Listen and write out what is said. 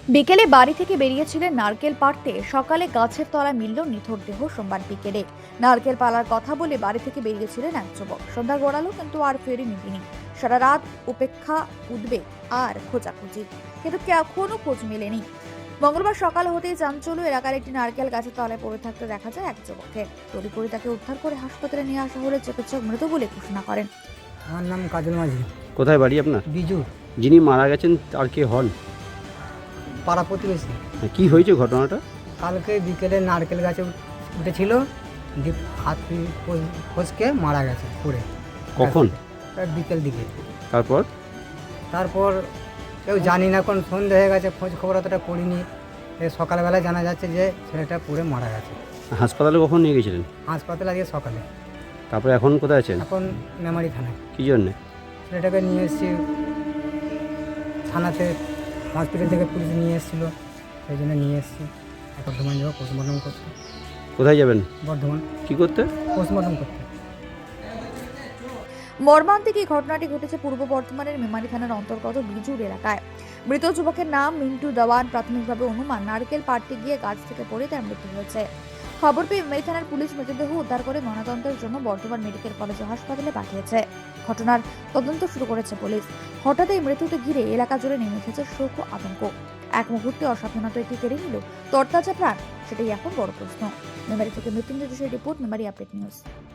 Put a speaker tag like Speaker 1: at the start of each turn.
Speaker 1: বিকেলে বাড়ি থেকে বেরিয়েছিলেন নারকেল পাড়তে, সকালে গাছের তলায় মিলল নিথর দেহ সোমবার বিকেলে। নারকেল পালার কথা বলে বাড়ি থেকে বেরিয়েছিলেন এক যুবক। সন্ধ্যা গড়ালো কিন্তু আর ফেরেনি তিনি। সারা রাত উপেক্ষা, উদ্বেগ আর খোঁজাখুঁজি, কিন্তু এখনো খোঁজ মেলেনি। মঙ্গলবার সকাল হতেই চাঞ্চল্য এলাকার একটি নারকেল গাছের তলায় পড়ে থাকতে দেখা যায় এক যুবককে। তড়িঘড়ি তাকে উদ্ধার করে হাসপাতালে নিয়ে আসা হলে চিকিৎসক মৃত বলে ঘোষণা করেন।
Speaker 2: আমার নাম কাজল মাঝি।
Speaker 3: কোথায় বাড়ি আপনার?
Speaker 2: বিজু,
Speaker 3: যিনি মারা গেছেন তার কে হন?
Speaker 2: পাড়া প্রতিবেশী।
Speaker 3: কি হয়েছে ঘটনাটা?
Speaker 2: কালকে বিকেলে নারকেল গাছে উঠেছিল, দিয়ে হাত ফসকে মারা গেছে পড়ে।
Speaker 3: কখন?
Speaker 2: বিকেল দিকে।
Speaker 3: তারপর?
Speaker 2: তারপর কেউ জানি না, কোন সন্ধে হয়ে গেছে, খোঁজ খবর অতটা করিনি। সকালবেলায় জানা যাচ্ছে যে ছেলেটা পড়ে মারা গেছে।
Speaker 3: হাসপাতালে কখন নিয়ে গেছিলেন?
Speaker 2: হাসপাতালে আজকে সকালে।
Speaker 3: তারপরে এখন কোথায় আছেন?
Speaker 2: এখন মেমারি থানায়।
Speaker 3: কি জন্যে?
Speaker 2: ছেলেটাকে নিয়ে এসেছি থানাতে, হসপিটাল থেকে পুলিশ নিয়ে এসেছিলো, সেই জন্য নিয়ে এসেছি। বর্ধমান যাবো পোস্টমর্টম করতে।
Speaker 3: কোথায় যাবেন?
Speaker 2: বর্ধমান
Speaker 3: কি করতে?
Speaker 2: পোস্টমর্টম করতে।
Speaker 1: মর্মান্তিক এই ঘটনাটি ঘটেছে পূর্ব বর্ধমানের মেমারি থানার অন্তর্গত বিজুর এলাকায়। মৃত যুবকের নাম মিন্টু দেওয়ান। প্রাথমিকভাবে অনুমান নারকেল পাড়তে গিয়ে গাছ থেকে পড়ে তার মৃত্যু হয়েছে। খবর পেয়ে মেমারি থানার পুলিশ মৃতদেহ উদ্ধার করে ময়নাতদন্তের জন্য বর্ধমান মেডিকেল কলেজ ও হাসপাতালে পাঠিয়েছে। ঘটনার তদন্ত শুরু করেছে পুলিশ। হঠাৎ এই মৃত্যুকে ঘিরে এলাকা জুড়ে নেমে এসেছে শোক ও আতঙ্ক। এক মুহূর্তে অসাবধানতা এটি কেড়ে নিল তরতাজা প্রাণ, সেটাই এখন বড় প্রশ্ন। মেমারি থেকে মৃত্যুঞ্জয় যোশীর রিপোর্ট, মেমারি আপডেট নিউজ।